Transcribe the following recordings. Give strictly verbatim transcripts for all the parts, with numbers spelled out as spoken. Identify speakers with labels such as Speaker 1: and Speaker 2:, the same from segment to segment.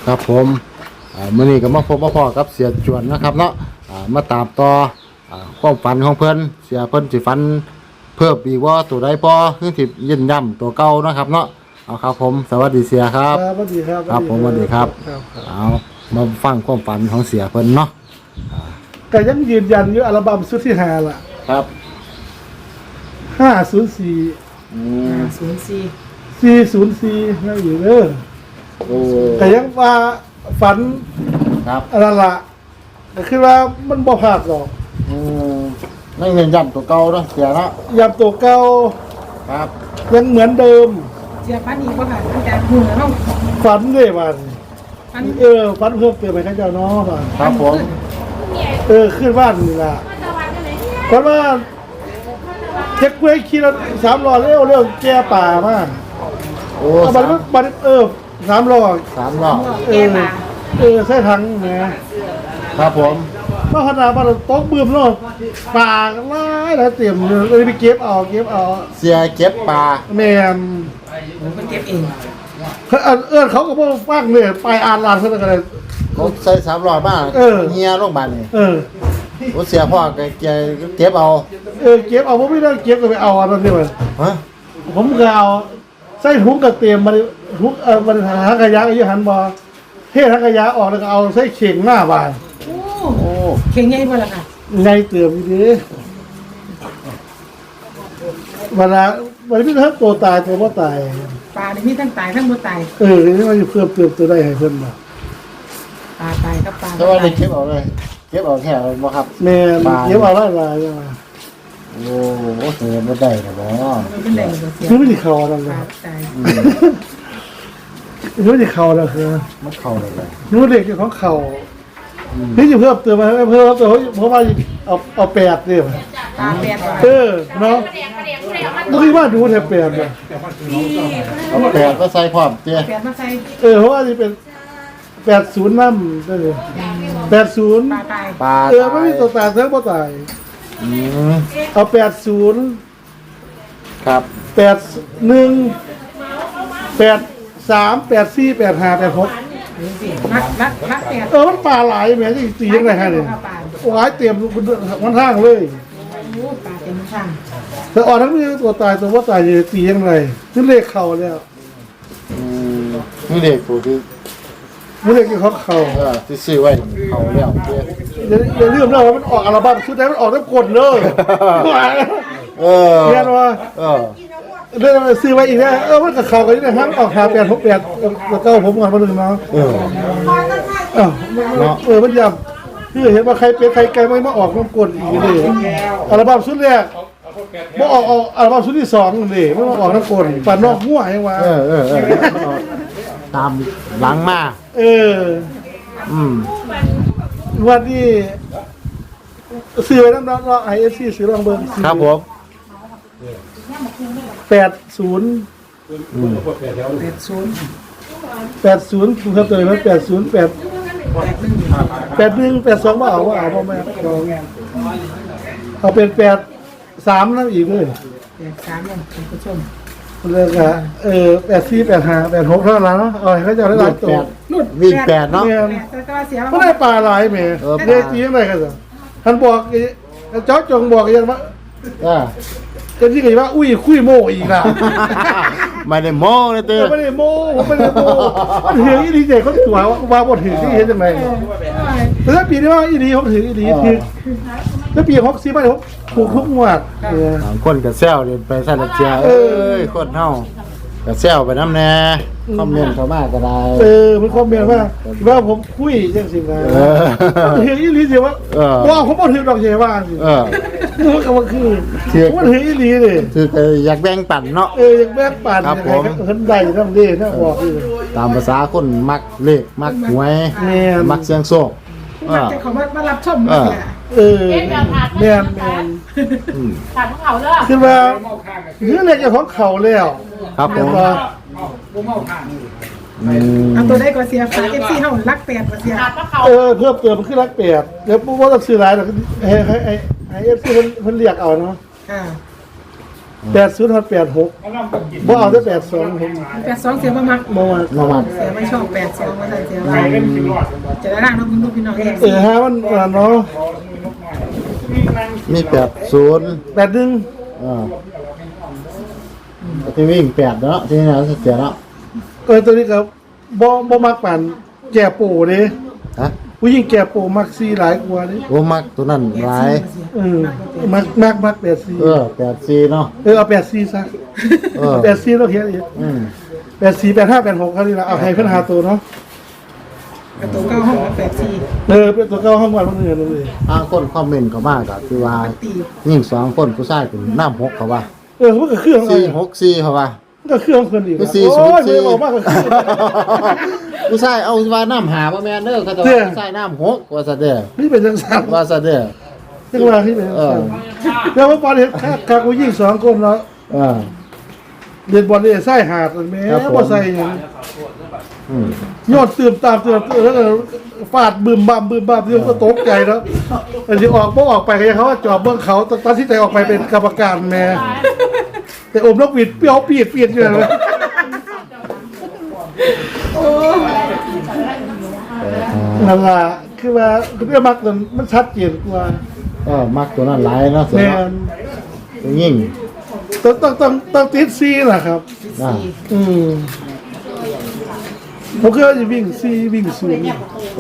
Speaker 1: ครับผมอ่ามื้อนี้ก็มาพบมาพอกับเสียจวนนะครับเนาะอ่ามาตามต่ออ่าความฝันของเพิ่นเสียเพิ่นสิฝันเพิ่มอีกว่าตัวใดพอคือสิยืนย่ำตัวเก่านะครับเนาะเอาครับผมสวัสดีเสียครับ
Speaker 2: สวัสดีครับ
Speaker 1: ครับผมสวัสดีครับ
Speaker 2: ครับ
Speaker 1: เอามาฟังความฝันของเสียเพิ่นเนาะ
Speaker 2: แต่ยังยืนยันอยู่อัลบั้มชุดที่ห้าล่ะ
Speaker 1: ครับ
Speaker 2: ห้าศูนย์สี่
Speaker 1: อืม
Speaker 3: ศูนย์สี่
Speaker 2: สี่ศูนย์สี่นั่นอยู่เด้อ
Speaker 1: โอ้
Speaker 2: แต่ยังว่าฝัน
Speaker 1: ครับ
Speaker 2: อะไรล่ะแต่คือว่ามันบ่พลาดหรอก
Speaker 1: อืมไม่ยืนย่ำตัวเก่าเนาะเสียเนาะ
Speaker 2: ยามตัวเก่า
Speaker 1: ครับ
Speaker 2: ยังเหมือนเดิม
Speaker 3: เสียพันอีกว่าค่ะตั้งแต่หัวเรา
Speaker 2: ฝันเลยมัน
Speaker 3: พัน
Speaker 2: เออฝันเพิ่มเติมไปข้าเจ้าเนาะว่า
Speaker 1: ครับผม
Speaker 2: เออขึ้นบ้านนี่ล่ะฝันว่าเจ๊กล้วยขี่รถสามล้อเร็วเร็วแก่ป่ามา
Speaker 1: โอ้
Speaker 2: เอาบั
Speaker 1: สาน ม
Speaker 2: บันเออสามล้อ
Speaker 1: สามรอบ
Speaker 2: เออเออใส่ถังแหม
Speaker 1: ครับผม
Speaker 2: มาขนาดมันตกบืมโลดปากหลายแล้วเต็มเลยไปเก็บเอาเก็บเอา
Speaker 1: เสียเก็บปลา
Speaker 2: แม่น
Speaker 3: มันเก็บเอง
Speaker 2: เขาเอิ้นเขาก็บ่ฟังเลยไปอ่านลานเขาก็เลย
Speaker 1: เขาใส่สามรอบมา
Speaker 2: เออ
Speaker 1: เฮียโรงพยาบาลนี่
Speaker 2: เออ
Speaker 1: โอ้เสียพ่อแกแกเก็บเอา
Speaker 2: เออเก็บเอาผมไม่ได้เก็บก็ไปเอาอันนั้นนี่มัน
Speaker 1: ฮะ
Speaker 2: ผมก็เอาใส่ถุงกระเตรียมมันถุงเออมันหางขยะอายุหันบ่เทถังขยะออกแล้วก็เอาใส่เข่งหน้าบ้าน
Speaker 3: โอ้
Speaker 1: โอ้
Speaker 3: เข่งใหญ่บ่ล่ะค่ะ
Speaker 2: ไงเติมอยู่ดิเวลาวันนี้ทั้งตัวตายตัวบ่ตาย
Speaker 3: ปลาในนี้ทั้งตายทั้งบ่ตาย
Speaker 2: เออนี่มันจะเพิ่มเติมตัวได้ให้เพิ่นบ่
Speaker 3: ปลาตายกับปลา
Speaker 1: แต่ว่าได้เก็บเอาเลย เก็บเอาแค่บ่ครับ
Speaker 2: แม่นเก็บเอาหลายหลายอย่าง
Speaker 1: โอ้โหเสียบ่ได้นะบ่
Speaker 3: มันเป็นแดงบ่เสีย
Speaker 2: คือไม่ได้เข้าแล้ว
Speaker 3: ป
Speaker 2: นะ
Speaker 3: ลาตาย
Speaker 2: คือไม่ได้เข้าแล้วคือ
Speaker 1: มันเข้าได้เลย
Speaker 2: นู้นเด็กเจ้าของเข้านี่จะเพิ่มเติมมาเพิ่มเติมเพราะว่าเอาเอาแปดเนี่ย
Speaker 3: ปลาแปดปลา
Speaker 2: เออเนาะต้องคิดว่าดูแถบแปดเนี่ย
Speaker 1: เอาแปดก็ใส่พร้อมเตี้ย
Speaker 3: แปดมาใส่
Speaker 2: เออเพราะว่านี่เป็นแปดศูนย์น้ำนั่นเลยแปดศูนย์
Speaker 3: ปลาตาย
Speaker 1: ปลา
Speaker 2: เออไม่มีตัวตายเท่าบ่ตาย
Speaker 1: อืม
Speaker 2: เอาแปดศูนย์
Speaker 1: ครับ
Speaker 2: แปดหนึ่งแปดสามแปดสี่แปดห้าแปดหก
Speaker 3: รักรักรักแปด
Speaker 2: เออมันปลาหลายแหม่ที่ตียังไงฮะเนี่ย
Speaker 3: ปลา
Speaker 2: โอ้ยเตรียมมันทางเลย
Speaker 3: โอ้ปลาเต็มข้าง
Speaker 2: แต่อ่อนทั้งนี้ตัวตายตัวว่าตายอยู่ตียังไงนี่เลขเข่าแล้ว
Speaker 1: อืมนี่เด็กผู้ที่
Speaker 2: นี่เลขที่เขาเข่า
Speaker 1: เออที่ซื้อไว้เข้าแล้วเตี้ย
Speaker 2: อย่าอย่าลืมนะว่ามันออกอัลบั้มชุดนั้นมันออกทั้งกดเลย
Speaker 1: เออ
Speaker 2: เรียนว่า
Speaker 1: เออ
Speaker 2: เรื่องอะไรซื้อไว้อีกนะเออมันกับเข่ากันนี่นะครับออกหาแปดหกแปดแล้วก็ผมก่อนมาหนึ่งเนาะ
Speaker 1: เออ
Speaker 2: เออเออมันยำคือเห็นว่าใครเป็นใครไกลไม่มาออกน้ำกดอีกเลยอัลบั้มชุดแรกมาออกเอาอัลบั้มชุดที่สองเลยไม่มาออกน้ำกดฝันนอกหัวยังวะ
Speaker 1: เออเออเออตามหลังมา
Speaker 2: เออ
Speaker 1: อืม
Speaker 2: วันนี้ซื้อไว้น้ำน้องไอเอฟซีซื้อลองเบิ้ง
Speaker 1: ครับผม
Speaker 2: แปดศูนย์
Speaker 3: แปดศูนย์
Speaker 2: แปดศูนย์คุณครับตัวนี้แปดศูนย์แปดแปดหนึ่งแปดสองมาเอาว่าเอาพ่อแม่เอาเป็นแปดสามนั่นอีกเลย
Speaker 3: แปดสามเนี่ยคุณผู้ชม
Speaker 2: เลยอะเออแปดสี่แปดห้าแปดหกเท่านั้นเนาะเอาให้เขาจะได้หลายตัว
Speaker 3: นุ่น
Speaker 1: วิ่งแปดเนาะ
Speaker 2: เนี่ย
Speaker 3: แต่ก็เสีย
Speaker 2: เขาได้ปลาหลายแม่
Speaker 1: เออ
Speaker 2: เรียกจียังไงกันสิท่านบอกเจ้าจงบอกยังว่า
Speaker 1: เออ
Speaker 2: กันที่กันว่าอุ้ยคุยโมอีกอ่ะ
Speaker 1: ไม่ได้โม้เลยเตี้ย
Speaker 2: ไม่ได้โมผมไม่ได้โมมันถืออีดีเจเขาตัวว่าบทถือที่เห็นยังไงแต่ถ้าปีนี้ว่าอีดีเขาถืออีดีถือแล้วปีหกสี่ไม่ผมถูกทุกงวดเออ
Speaker 1: สามคนกับเซลเรียนไปสั่นละเจีย
Speaker 2: เอ
Speaker 1: เอ้
Speaker 2: อ
Speaker 1: ยคนเฮากับเซลไปน้ำแน่คอมเมนต์เข้ามาก็ได้
Speaker 2: เออมันคอมเมนต์ว่าว่าผมคุยยังสิไง
Speaker 1: เออ
Speaker 2: ถืออีดีสิว่า
Speaker 1: เออ
Speaker 2: ว่าผมบอกถือดอกเชว่าสิ
Speaker 1: เออ
Speaker 2: มันก็ว่าคือผมถืออีดีเลย
Speaker 1: คือแต่อยากแบ่งปันเนาะ
Speaker 2: เออยังแบกปั่น
Speaker 1: ครับผม
Speaker 2: เห็นได้ทั้งเด้ทั้งบอกเลย
Speaker 1: ตามภาษาคนมักเลขมักหวย
Speaker 2: แม่น
Speaker 1: มักเสียงโชคเอ
Speaker 3: มัน
Speaker 1: อ
Speaker 3: จะเขามามารับชม
Speaker 1: เออ
Speaker 3: เนี่ย
Speaker 2: เออแม่นแม่น
Speaker 1: อืม
Speaker 4: ถามพวกเขาเด้อ
Speaker 2: คือว่าเนื้อเล็กของเขาแล้ว
Speaker 1: ครับผ
Speaker 2: เรีย
Speaker 1: ม
Speaker 2: บร้อย
Speaker 1: อืม
Speaker 3: เอาตัวได้ก็เสียฝาเอฟซีเฮารักแปดก็เสีย
Speaker 4: ถามพวกเขา
Speaker 2: เออเพิ่มเติมมันขึ้นรักแปดเดี๋ยวปุ๊บว่าต้องซื้อหลายหรอกให้ให้ให้ให้เอฟซีเพิ่นเพิ่นเรียกเอาเนาะ
Speaker 3: ค่ะ
Speaker 2: แปดศูนย์ทับแปดหกบ่เอาได้แปดสองผม
Speaker 3: แปดสองเสียบ่มัก
Speaker 2: บ่ว่า
Speaker 1: มาวัด
Speaker 3: เสียไม่ชอบแปดสองมาใส่เสียว่าจะได้ร่างน้องพี่น้องพี่น้องเอง
Speaker 2: เออฮะมันอ่าเนาะ
Speaker 1: มีแปดศูนย์
Speaker 2: แปดหนึ่ง
Speaker 1: อ่าที่วิ่งแปดเนาะที่นี่นะเสียเนาะ
Speaker 2: เออตัวนี้ก็บ่บ่มักปานแก่ปู่เด้
Speaker 1: ฮะ
Speaker 2: ผู้หญิงแก่ปู่มักซีหลายกว่าเด้
Speaker 1: โอ้มักตัวนั้นหลาย
Speaker 2: เออมักมักมักแปดซี
Speaker 1: เออแปดสี่เนาะ
Speaker 2: เออเอาแปดซีซะ
Speaker 1: เออ
Speaker 2: แปดซีแล้วเขียนอีก
Speaker 1: อืม
Speaker 2: แปดสี่แปดห้าแปดหกเขาดีละเอาให้เพิ่นหาตัวเนาะ
Speaker 3: ประตูเก้าห้องแปดสี่
Speaker 2: เออเป็นตัวเก้าห้องวันมันเงินเลย
Speaker 1: อ้างคนคอมเมนต์ก็มากอะคือว่า
Speaker 3: ตี
Speaker 1: ยิ่งสองคนผู้ชายเป็นน้ำหกเขาว่า
Speaker 2: เออมันก็เครื่องอะไร
Speaker 1: สี่หกสี่เขาว่า
Speaker 2: มันก็เครื่องคนอีก
Speaker 1: ก็
Speaker 2: นะ
Speaker 1: สี่ศู
Speaker 2: โอ้
Speaker 1: น
Speaker 2: ย
Speaker 1: ย์
Speaker 2: ไม่
Speaker 1: สี่
Speaker 2: บอกมากก็คือ
Speaker 1: ผู้ชายเอาว่าน้ำหาบ่แม่นเด้อเขาจะ
Speaker 2: เด้
Speaker 1: ว่า
Speaker 2: อ
Speaker 1: ผู้ชายน้ำหกว่าซะเด้อ
Speaker 2: นี่เป็นจังสัน
Speaker 1: ว่าซะเด้อ
Speaker 2: จังหวะที่เป็นจังสัน
Speaker 1: เออ
Speaker 2: แล้วว่าบอลเห็นคาคากูยิงสองคนเนาะ
Speaker 1: เออ
Speaker 2: เรียนบอลเนี่ยไส้หาดแม่
Speaker 1: ครับผม
Speaker 2: บ่ใส่หยัง
Speaker 1: อืม
Speaker 2: โยนตื่มตามตื่มตื่มแล้วก็ฟาดบึมบัมบึมบัมที่ก็ตกใจแล้วแต่ที่ออกบ่ออกไปก็ยังเขาว่าจอบเบื้องเขาตัดสินใจออกไปเป็นกรรมการแม่แต่อมนกหวีดเปรี้ยวปีดปีดอยู่เลย นั่นล่ะคือว่าคือเรื่องมักมันมันชัดเจนกว่า
Speaker 1: เออมักตัวนั้นหลายเนาะเสีย
Speaker 2: แม่
Speaker 1: เนาะ
Speaker 2: น
Speaker 1: ตัวยิ่ง
Speaker 2: ต้องต้องต้องต้องติดซีล่ะครับ
Speaker 1: อ่า
Speaker 2: อืมผมเคยจะวิ่งซีวิ่งศูนย์
Speaker 1: โอ้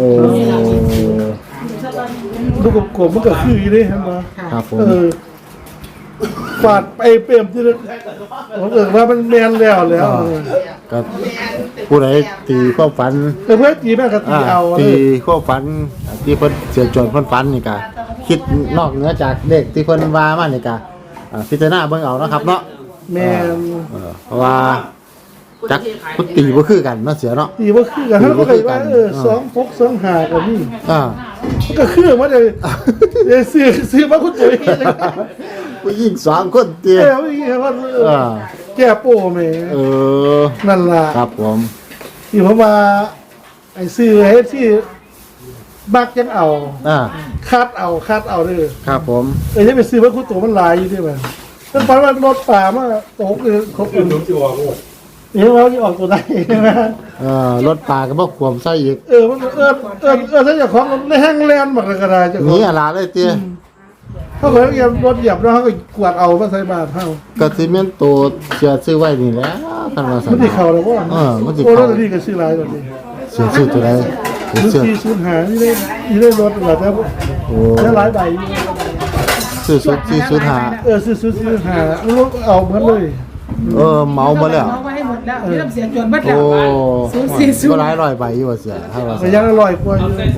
Speaker 2: ลูกกลมๆมันก็คืออยู่เด้เห็นบ่
Speaker 1: ครับผม
Speaker 2: เออฟาดไปเปรมที่ผมเอิ้นว่ามันแม่นแล้วแล้ว
Speaker 1: ก็ผู้ใดตีความฝัน
Speaker 2: แต่เพื่อนตีแม่ก็ตี
Speaker 1: อ่า
Speaker 2: เอาเล
Speaker 1: ตี
Speaker 2: ย
Speaker 1: ความฝันที่เพิ่นเสียจวนเพิ่นฝันนี่ก็คิดนอกเหนือจากเด็กที่เพิ่นว่ามานี่ก็อ่าพิจารณาเบิ่งเอาเนาะครับเนาะ
Speaker 2: แม่น
Speaker 1: เออเพราะว่าจักพุตีบ่คือกันเนาะเสียเนาะ
Speaker 2: ตีบ่คือกันเขาก็เลยว่าเออสองพกสองหาก็มี
Speaker 1: อ่า
Speaker 2: มันก็คือมาเลยเดี๋ยวซื้อซื้อมาคุณตุ๋ย
Speaker 1: ผู้หญิงสองคนเตี้ย
Speaker 2: เออไม่ใช่ว่าเออ
Speaker 1: อ่า
Speaker 2: แก้โป้แม่
Speaker 1: เออ
Speaker 2: นั่นล่ะ
Speaker 1: ครับผม
Speaker 2: ที่ผมมาไอ้ซื้อให้ที่บักยังเอา
Speaker 1: อ่า
Speaker 2: คัดเอาคัดเอาเด้อ
Speaker 1: ครับผม
Speaker 2: เอ้ยจะไปซื้อมาคุณตุ๋ยมันหลายอยู่ด้วยมันมันฝันว่ารถป่ามาตกเลยครบเลยเดี๋ยวเราจะออกตัวไหนนะ
Speaker 1: เอ่อรถปลาก็บ่ควมใส่อีก
Speaker 2: เออมันเออเออเออถ้าเจ้าของมันแห้งแลนบักเลยก็ได้เจ้า
Speaker 1: ห
Speaker 2: ขอ
Speaker 1: นี
Speaker 2: ง
Speaker 1: อะไรเลยเตี้ย
Speaker 2: เขาเคยเหยียบรถเหยียบแล้วเขาก็กวาดเอามาใส่บาตรเฮา
Speaker 1: ก็สิแม่นโตเสียซื้อไว้นี่แหล้วคันว่าซั่
Speaker 2: มัน
Speaker 1: น
Speaker 2: สิเข้าแล้วบ่
Speaker 1: เออมันสิ
Speaker 2: โอ้
Speaker 1: เข้า
Speaker 2: รถนี่ก็ซื้อหลายกว่านี้
Speaker 1: เสียซื้อตัวใดเสีย
Speaker 2: ซื้อ
Speaker 1: ซื้อ
Speaker 2: ที่ซื้อหานี่ได้นี่ได้รถหลายแล้ว
Speaker 1: โอ้
Speaker 2: ได้หลายใบอยู่
Speaker 1: ซื้อสุดซื้อสุดหา
Speaker 2: เออซื้อซื้อซื้อหาลูกเอาหมดเลย
Speaker 1: เออเมาบ่แล้ว
Speaker 3: เอาไว้ให้หมดแล้วนี่ต้องเสียจวนเบิดแล้
Speaker 1: โอ้
Speaker 3: วศูนย์สี่ศูน
Speaker 1: ก็
Speaker 3: ย์
Speaker 1: หลายร้อยใบอยู่ว่าเสียถ้าว่า
Speaker 2: ระ
Speaker 1: ซั่น
Speaker 2: ยะละร้อยกว่าอยู่
Speaker 1: โอ้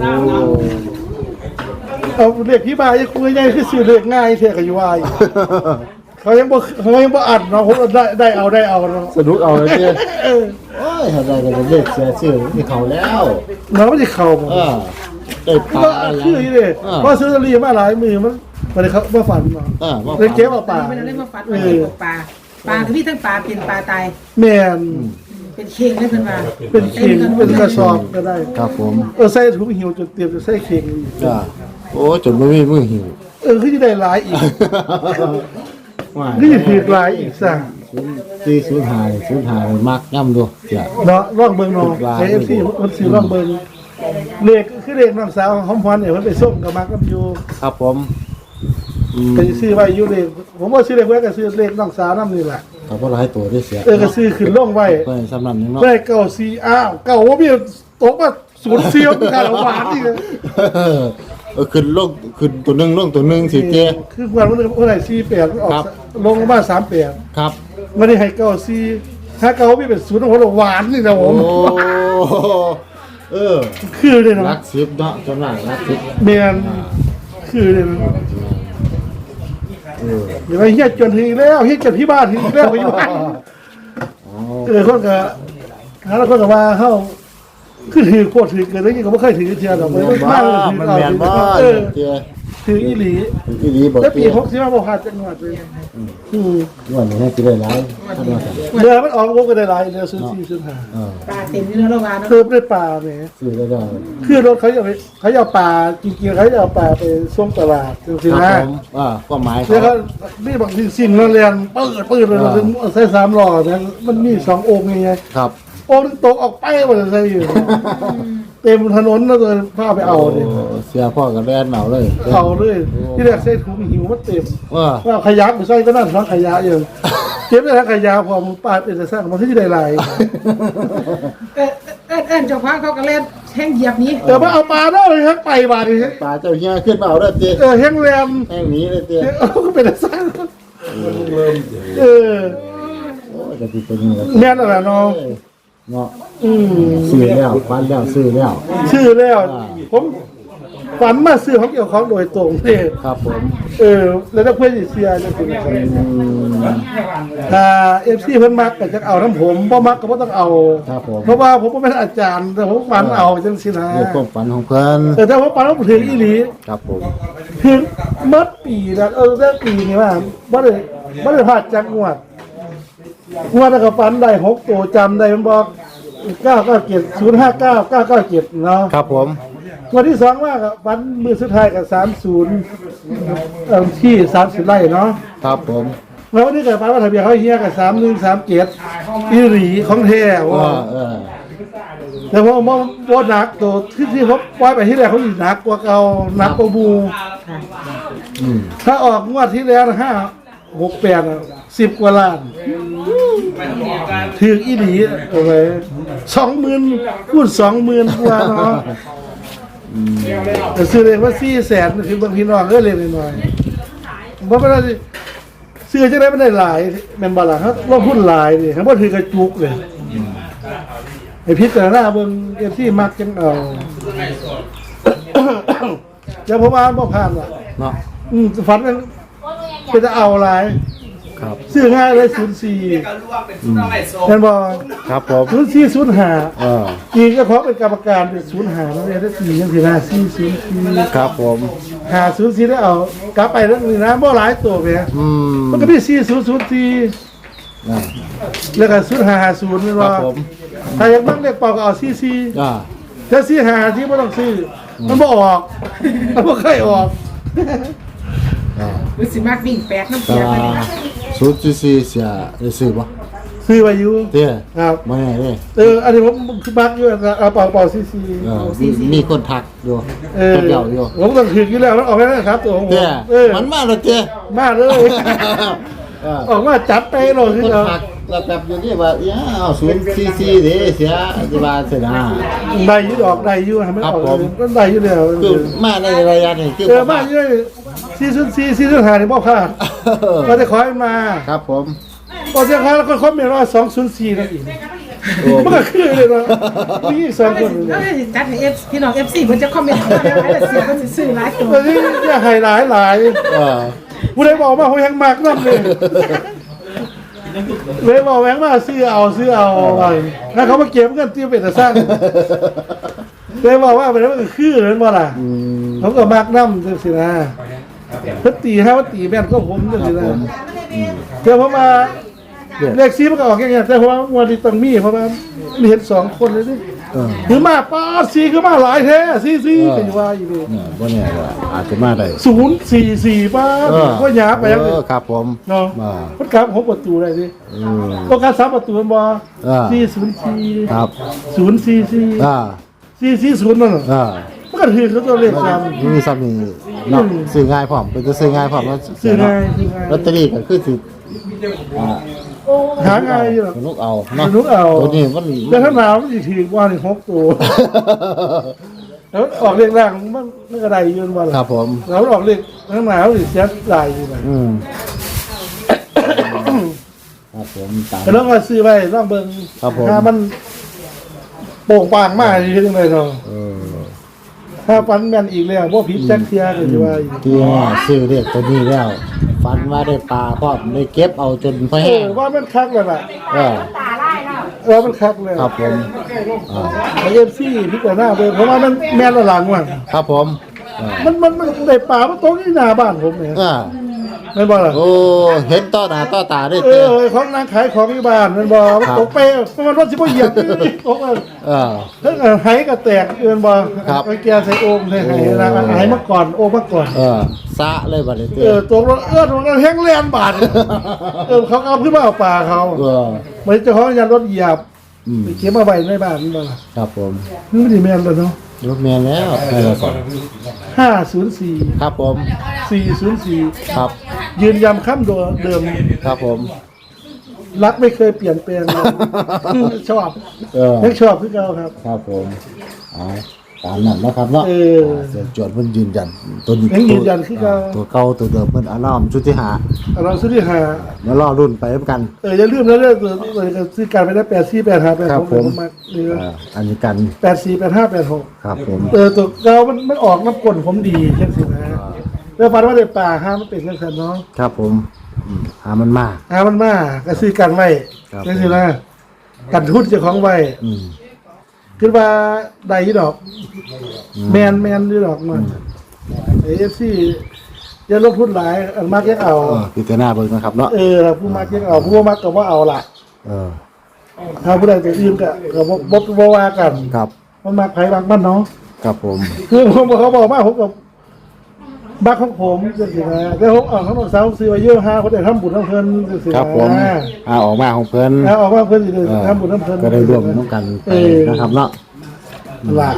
Speaker 2: เอาเลขพี่บายคุยง่ายคือซื้อเลขง่ายเท่ากับอยู่ว่าอยู่เขายังบ่เขายังบ่อัดเนาะผมได้ได้เอาได้เอาเนาะ
Speaker 1: สนุกเอาเลยเตี้ย
Speaker 2: เออ
Speaker 1: โอ้ยถ้าได้ก็เลขเสียชื่อนี่เขาแล้ว
Speaker 2: เนาะมันสิเข้าบ่
Speaker 1: เออได้ปลา
Speaker 2: ก็
Speaker 1: อะไร
Speaker 2: คืออีเด้เพราะซื้อลอตเตอรี่มาหลายมือมันบ่ได้เขาบ่ฝันเนาะ
Speaker 1: เออว่า
Speaker 2: เลยเก็บเอาปลา
Speaker 3: ไม่ได้เล่นมาฟัดมาเก็บตกปลาปลาคือมีทั้งปลาเป็นปลาตาย
Speaker 2: แม่น
Speaker 3: เป็นเข่งได้เพิ่นว่า
Speaker 2: เป็นเข่งเป็นกระสอบก็ได้
Speaker 1: ครับผม
Speaker 2: เออใส่ถุงหิวจนเตรียมจะใส่เข่งอีก
Speaker 1: จ้าโอ้จนบ่มีมือหิว
Speaker 2: เออคือจะได้หลายอีก
Speaker 1: ว่า
Speaker 2: นี่ถือหลายอีกซะ
Speaker 1: ที่ศูนย์หายศูนย์หายมักย่ำดูเสีย
Speaker 2: เนาะร่องเบิ่งเนาะ
Speaker 1: หลาย
Speaker 2: ไอ้ เอฟ ซีมันสิร่องเบิ่งเลขคือเลขน้องสาวของหอมพรเนี่ยมันไปส่งกับมักกับอยู่
Speaker 1: ครับผมอืม
Speaker 2: ไปซื้อไว้อยู่เลขผมว่าซื้อเลขไว้ก็ซื้อเลขน้องสาวนำนี่แหละ
Speaker 1: ก็บ่หลายตัวได้เสีย
Speaker 2: เออก็ซื้อขึ้นลงไว้
Speaker 1: เพิ่นสำนักนึงเนาะ
Speaker 2: ไว้เก้าสี่อ้าวเก้าว่ามีตกมาศูนย์เสียวค่าละหวานนี่เลย
Speaker 1: เออเออขึ้นลงขึ้นตัวหนึงลงตัวหนึงสิเจ
Speaker 2: คือวันวันนึงเท่าไหร่สี่แปดออก
Speaker 1: ครับ
Speaker 2: ลงมาสามแปด
Speaker 1: ครับ
Speaker 2: วันนี้ให้เก้าสี่ถ้าเก้ามีเป็นศูนย์ของเราหวานนี่นะผ
Speaker 1: โอ้
Speaker 2: ม
Speaker 1: เออ
Speaker 2: คือเลย
Speaker 1: รั
Speaker 2: นะ
Speaker 1: กสิบเนาะจำนวนรักสิบ
Speaker 2: เมียนคือเลยนะ
Speaker 1: เออ
Speaker 2: เดี๋ยวไปเฮียจนถึงอีกแล้วเฮียจนที่บ้านถึงอีกแล้วไปอยู่บ้าน
Speaker 1: อ๋อ
Speaker 2: เออคนก็หาแล้วคนก็ว่าเข้าคือถือโคตรถือเกินแล้วยังก็ไม่เคยถือเทียนหรอก
Speaker 1: แม่
Speaker 2: มัน
Speaker 1: นบ่
Speaker 2: มากเลยถือ
Speaker 1: มัน
Speaker 2: เอา
Speaker 1: แม่นบ่
Speaker 2: เออ
Speaker 1: เจ
Speaker 2: ถืออีหลี
Speaker 1: ที่ดีบ่
Speaker 2: แล้วปี
Speaker 1: เจ
Speaker 2: หกสิบห้าบ่พลาดจังหวัดเลยอืม
Speaker 1: ว่านี่ให้สิได้หลายท่านว่าซั่น
Speaker 2: เดือนมันออกวงกันได้หลายเดือนซื้อสี่ซื้อห้า
Speaker 1: เออ
Speaker 3: ปลาเต็ต็มอยู่แล้วว่าเนาะ
Speaker 2: เติมด้วยปลาเนี่ย
Speaker 1: ซื้อได้แล้ว
Speaker 2: คือรถเขาจะไปเขาจะเอาปลาจริงๆเขาจะเอาปลาไปส่งตลาดจริง
Speaker 1: ค
Speaker 2: ๆ
Speaker 1: รับ
Speaker 2: นะ
Speaker 1: ผมอ่าก็หมาย
Speaker 2: แล้ว
Speaker 1: เขา
Speaker 2: ก็นี่บางทีสิ่งเราเรียนปืดปืดเลยเราถึงใส่สามหล่อเนี่ยมันมีสององค์ไง
Speaker 1: ครับ
Speaker 2: องค์นึงตกออกไปมันจะใส่อยู่เต็มถนนแล้วเลยพาไปเอาเนี่ย
Speaker 1: โเสียพ่อกับแม่เหนาเลย
Speaker 2: เอาเลยที่แรกใส่ถุงหิวมันเต็ม
Speaker 1: ว่า
Speaker 2: ว่าขยะไปใส่ก็นั่นทั้งขยะอยู่เก็บได้ทั้งขยะพอมึงปาดเป็นแต่สร้างมันที่ได้หลาย
Speaker 3: เออเออเออเจ้าของเขาก็เล่นแห้งเหยียบนี้
Speaker 2: เดี๋ยวมาเอาปลาได้เลยครับไปบาดเลย
Speaker 1: ปลาเจ้าเฮียขึ้นมาเอาได้เตี้ย
Speaker 2: เออแห้งแรม
Speaker 1: แห้งหนี้เลยเตี้ย
Speaker 2: เอาก็เป็นแต่สร้างเออ
Speaker 1: โอ้ยจะติดเป็นยังไง
Speaker 2: แม่นอะไรเนาะ
Speaker 1: เนาะ
Speaker 2: อืม
Speaker 1: ซื้อแล้วฟันแล้วซื้อแล้ว
Speaker 2: ชื่อแล้ว ผมฝันมาซื้อของเกี่ยวของโดยตรงนี่
Speaker 1: ครับผม
Speaker 2: เออ แล้วถ้าเพื่อนสิเสียจะเป็น
Speaker 1: อืม
Speaker 2: ถ้าเอฟซีเพิ่นมักก็จะเอาน้ำผมบ่มักก็บ่ต้องเอา
Speaker 1: ครับผม
Speaker 2: เพราะว่าผมบ่เป็นอาจารย์แต่ผมฝันเอาจังซี่นะ
Speaker 1: เรื่องความฝันของเพิ่น
Speaker 2: แต่ถ้าผมฝันว่าถึงอีหลี
Speaker 1: ครับผม
Speaker 2: ถึงมัดปีแล้วเออได้ปีนี่ว่าบ่ได้บ่ได้พลาดจักงวดงวดแล้วก็ฝันได้หกตัวจำได้มันบอกเก้าเก้าเจ็ด ศูนย์ห้าเก้า เก้าเก้าเจ็ดเนาะ
Speaker 1: ครับผม
Speaker 2: วันที่สองว่ากับวันมือสุดท้ายกับสามศูนย์เอ่อที่สามสิบไร่เนาะ
Speaker 1: ครับผม
Speaker 2: แล้ววันนี้เกิดปันว่าทะเบียนเขาเฮียกับสามหนึ่งสามเจ็ดอีหลีของแท้ว่า
Speaker 1: ว่าเออ
Speaker 2: แต่ว่ามองว่าหนักตัวที่ที่เขาปล่อยไปที่แรกเขาอีกหนักกว่าเก่าหนักกว่าบู
Speaker 1: อืม
Speaker 2: ถ้าออกงวดที่แล้วห้าหกแปดสิบกว่าล้านถืออีหลีเอาไว้สองหมื่นพูดสองหมื่นกว่าเนาะ แต่ซื้อเลยว่าสี่แสนคือบางพี่น้องก็เล็กน้อยเพราะว่าซื้อจะได้ไม่ได้หลายแม่นบาล่ะครับลงทุนหลายดิครับว่าถือกระจุกเลยไอพิจารณาเบิ่งเอฟที่มักจังเอาอย่าผมอ่านบ่ผ่านว่ะ
Speaker 1: เนาะ
Speaker 2: อืมฝันมันเป็นจะเอาหลาย
Speaker 1: ครับ
Speaker 2: ซื้อง่ายเลยศูนย์สี่แม่นบ่
Speaker 1: ครับผม
Speaker 2: ศูนย์สี่ศูนย์ห้า
Speaker 1: เออ
Speaker 2: อีกก็เพราะเป็นกรรมการเป็นศูนย์ห้าแล้วเนี่ยได้สี่ยังสี่ห้าสี่ศูนย์สี่
Speaker 1: ครับผม
Speaker 2: หาศูนย์สี่ได้เอากลับไปแล้วนี่นะบ่หลายตัวไป
Speaker 1: อืม
Speaker 2: มันก็มีสี่ศูนย์ศูนย์สี่
Speaker 1: อ่า
Speaker 2: แล้วก็ศูนย์ห้าห้าศูนย์นี่
Speaker 1: ครั
Speaker 2: ว่า
Speaker 1: บผม
Speaker 2: ถ้าอยากบ้างเลขเป่าก็เอาสี่สี่
Speaker 1: อ่า
Speaker 2: ถ้าสี่ห้าที่ไม่ต้องซื้อมันบ่ออกมันบ่เคยออก
Speaker 1: อ่า
Speaker 3: หรือสิมากวิ่งแปดน้ำ
Speaker 1: แต่
Speaker 3: เสียไป
Speaker 1: ว่า
Speaker 3: นี่นะ
Speaker 1: ศูนย์สี่สี่เสียได้ซื้อบ่
Speaker 2: ซื้อไว้อยู่
Speaker 1: เตี้ย
Speaker 2: ครับ
Speaker 1: บ่แน่เด้
Speaker 2: เอออันนี้ผมคือมักอยู่นะเอาเป่าเป่าสี่สี่
Speaker 1: เออมีมีคนทักอยู่
Speaker 2: เออ
Speaker 1: คนเดียวอยู่
Speaker 2: ผมต้องถืออยู่แล้วมันออกไปแล้วครับตัวของผม
Speaker 1: เตี้ย
Speaker 2: เออ
Speaker 1: มันมาแล้วเตี้ย
Speaker 2: มาเลย
Speaker 1: เออ
Speaker 2: ออกมาจัดไปเลย
Speaker 1: ค
Speaker 2: คือน เอา
Speaker 1: ทักแล้วแบบอยู่นี่ว่าอย่าเอาศูนย์สี่สี่เด้เสียอธิบายเสียนะ
Speaker 2: ได้อยูดอกได้อยูให้มันออก
Speaker 1: ครับผม
Speaker 2: ก็ได้อยูแล้ว
Speaker 1: คือมาในระยะนี้คือ
Speaker 2: เออมาเยอะซีซั่นซีซีซั่นหานี่บ่พลาด
Speaker 1: เออ
Speaker 2: ก็จะขอให้มา
Speaker 1: ครับผม
Speaker 2: พอจะขอแล้วก็คอมเมนต์ว่าสองศูนย์สี่นั่นเอง
Speaker 1: โอ้
Speaker 2: มันก็คือเลยนะมีอีกสองคนเล
Speaker 3: แล้ว
Speaker 2: ย
Speaker 3: ก็สิจัดให้เอฟพี่น้องเอฟซีเพิ่นจะคอมเมนต์เข้ามาแล้วให้เสียเพิ่นสิซื้อหลายตัว
Speaker 2: ตอนนี้อย่าให้หลายหลาย
Speaker 1: เออ
Speaker 2: ผู้ใดบอกว่าเขายังมากนั่นเลยเลยบอกแหวงมาซื้อเอาซื้อเอาไปแล้วเขามาเก็บเงินที่เป็นแต่สร้างเลยบอกว่าเป็นว่าคือเหมือนบ่ล่ะ
Speaker 1: อืม
Speaker 2: เขาก็มากน้ำจังสินะเพิ่นตีห้าว่าตีแม่นก็ผมจังสินะเดี๋ยวผมมาเลขซีมันก็ออกอย่างเงี้ยแต่ว่าวันนี้ต้องมีเพราะว่ามีเห็นสองคนเลยดิ
Speaker 1: เออ
Speaker 2: หรือมาป้าซีคือมาหลายแท้ซีซีเป็นว่าอยู่ดิ
Speaker 1: เนี่ยบ่แน่ว่าอาจจะมาได้
Speaker 2: ศูนย์สี่สี่ป้า
Speaker 1: เออ
Speaker 2: ก็หยาไปยัง
Speaker 1: เอ
Speaker 2: เลย
Speaker 1: อครับผม
Speaker 2: เนาะ
Speaker 1: อ่า
Speaker 2: มันกลับหกประตูได้ดิ
Speaker 1: อืม
Speaker 2: ต้องการสามประตูมันบ่
Speaker 1: อ่า
Speaker 2: สี่ศูนย์สี่
Speaker 1: ครับ
Speaker 2: ศูนย์สี่สี่
Speaker 1: อ่า
Speaker 2: สี่สี่ศูนย์นั่นน่ะ
Speaker 1: อ่า
Speaker 2: มันก็ถือเขาตัวเลขกัน
Speaker 1: มีซ้ำนี่เนาะซื้อง่ายพร้อมเป็นจะซื้อง่ายพร้อมแล้ว
Speaker 2: ซื้อง่ายซื้อง่าย
Speaker 1: ลอตเตอรี่ก็คือสิอ่า
Speaker 2: หาง่ายอยู่หรอก
Speaker 1: สนุกเอาเนาะ
Speaker 2: สนุกเอา
Speaker 1: ตัวนี้มัน
Speaker 2: แต่ถ้าหนาวมันจะถือว่านี่หกตัวแล้วออกเลขแรกมันมันก็ได้ยืนวันละ
Speaker 1: ครับผม
Speaker 2: แล้วออกเลขข้างหนาวสิเสียหลายอยู่นะ
Speaker 1: อืมครับผมตาม
Speaker 2: แต่ลองมาซื้อไว้ลองเบิ่ง
Speaker 1: ครับผม
Speaker 2: ถ้ามันโป่งปางมากอยู่ที่ไหนเนาะ
Speaker 1: เออ
Speaker 2: ถ้าฟันแม่นอีกแล้วพวกพิษแจ็คเทียก็จะว่าอยู่
Speaker 1: ที่ว่าซื้อเรียกตัวนี้แล้วฝันว่าได้ปลาพร้อมได้เก็บเอาจนพอ
Speaker 2: เอ
Speaker 1: แห้
Speaker 2: อง ว่ามันคักเลยล่ะ
Speaker 1: เออ
Speaker 2: ว่ามันคักเลย
Speaker 1: ครับผมอ่า
Speaker 2: ไอเอฟซีพิจารณาเบิ่งเพราะว่ามันแม่นละหลังว่ะ
Speaker 1: ครับผมอ่า
Speaker 2: มันมันมันได้ปลามันตกที่หน้าบ้านผมเนี่ย
Speaker 1: อ่า
Speaker 2: แม่นบ่ล่ะ
Speaker 1: โอ้เห็นต่อหน้าต่อตาได้
Speaker 2: เอ
Speaker 1: เต้
Speaker 2: อของนางขายของอยู่บ้านแม่นบ่มันตกไปมันว่าสิบ่เหยียบตก
Speaker 1: เออ
Speaker 2: ทั้งไหก็แตกเอือนบ่
Speaker 1: ครับ
Speaker 2: ไอ้แกใส่โอ่งใส่ไหนะไหมาก่อนโอ่งมาก่อน
Speaker 1: เออซะเลยบัดนี้เต้
Speaker 2: เออตกรถเอื้อนมันแห้งแลนบาดเออเขาเอาขึ้นมาเอาปลาเขา
Speaker 1: เออ
Speaker 2: เหมือนเจ้าของยันรถเหยียบ
Speaker 1: อืม
Speaker 2: ไปเก็บมาไว้ในบ้านนี่บ่ล่ะ
Speaker 1: ครับผม
Speaker 2: นี่มันสิแม่นแล้วเนาะ
Speaker 1: รถเมียแล้วให้เราก่อน
Speaker 2: ห้าศูนย์สี่
Speaker 1: ครับผม
Speaker 2: สี่ศูนย์สี่
Speaker 1: ครับ
Speaker 2: ยืนยันคำเดิม
Speaker 1: ครับผม
Speaker 2: รักไม่เคยเปลี่ยนแปลงเลย ชอบ
Speaker 1: เออ
Speaker 2: ยังชอบคือเก่าครับ
Speaker 1: ครับผมเอาตามนั้นนะครับเนาะ
Speaker 2: เออ
Speaker 1: เสียจวนเพิ่นยืนยันตัวนี้
Speaker 2: ยังยืนยันคือเก่า
Speaker 1: ตัวเก่าตัวเดิมเพิ่นอารามชุดที่หา
Speaker 2: เราซื้อที่หา
Speaker 1: มารอรุ่นไปด้วยกัน
Speaker 2: เอออย่าลืมนะเรื่องซื้อการไปได้แปดสี่แปดห้าแปด
Speaker 1: ครั
Speaker 2: ห
Speaker 1: บ
Speaker 2: ก
Speaker 1: ผม
Speaker 2: มานี่
Speaker 1: เอออันนี้กัน
Speaker 2: แปดสี่แปดห้าแปดหก
Speaker 1: ครับผม
Speaker 2: เออตัวเรามันมันออกน้ำกลนผมดีเช่นสินะแล้วฟันว่าได้ป่าห้ามันเป็นเรื่องสันเนาะ
Speaker 1: ครับผมอืมหามันมา
Speaker 2: หามันมาก็ซื้อกันไว้
Speaker 1: ครับ
Speaker 2: เช่นสินะกันทุนเจ้าของไว้
Speaker 1: อืม
Speaker 2: คิดว่าได้ยี่ดอก แมนแมนยี่ดอกมันเอฟซีอย่าลงทุนหลายอันมากยังเอา
Speaker 1: เออพิจารณาเบิ่งนะครับเนาะ
Speaker 2: เออผู้มากยังเอาผู้บ่มากก็ว่าเอาล่ะ
Speaker 1: เออ
Speaker 2: ถ้าผู้ใดตัวอื่นก็ก็บ่บ่บ่ว่ากัน
Speaker 1: ครับ
Speaker 2: มันมากไผบางบ้านเนาะ
Speaker 1: ครับผม
Speaker 2: คือผมบอกเขาบอกว่าผมกับบ้านของผมจังซี่นะแต่ผมเอาของน้องสาวซื้อไว้เยอะหาคนได้ทำบุญน้ำเพิ่นจังซี่
Speaker 1: ครับ
Speaker 2: นะ
Speaker 1: ผมอ่าออกมาของเพิ่น
Speaker 2: แล้วออกมาเพิ่นสิได้
Speaker 1: เออ
Speaker 2: ทำบุญน้ำเพิ่น
Speaker 1: ก็ได้ร่วมน้ำกันไป
Speaker 2: เออ
Speaker 1: นะครับเนาะ
Speaker 2: ล่ะ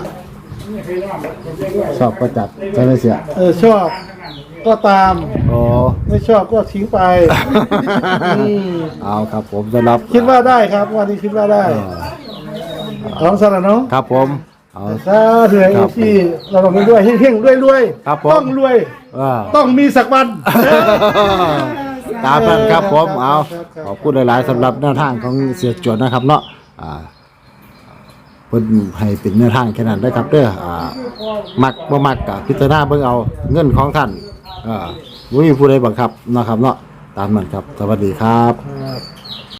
Speaker 1: ชอบก็จัดใช่ไหมเสีย
Speaker 2: เออชอบก็ตาม
Speaker 1: โอ้
Speaker 2: ไม่ชอบก็ทิ้งไปอืม
Speaker 1: เอาครับผมจะรับ
Speaker 2: คิดว่าได้ครับวันนี้คิดว่าได้
Speaker 1: เออ
Speaker 2: ของสารเนาะ
Speaker 1: ครับผมเอา
Speaker 2: ถ้าเถื่อ
Speaker 1: ครับ
Speaker 2: ที่เราลงไปด้วยเฮงๆด้วยรวย
Speaker 1: ครับผม
Speaker 2: ต้องรวย
Speaker 1: เออ
Speaker 2: ต้องมีสักวัน
Speaker 1: ตามนั้นครับผมเอา
Speaker 2: ครับครับ
Speaker 1: ขอบคุณหลายๆสำหรับแนวทางของเสียจวนนะครับเนาะอ่าเพิ่นให้เป็นแนวทางแค่นั้นได้อครับเด้ออ่ามักบ่มักก็พิจารณาเบิ่งเอาเงินของท่านอ่าบ่มีผู้ใดบังคับนะครับเนาะตามนั้นครับสวัสดีครับ
Speaker 2: ครับ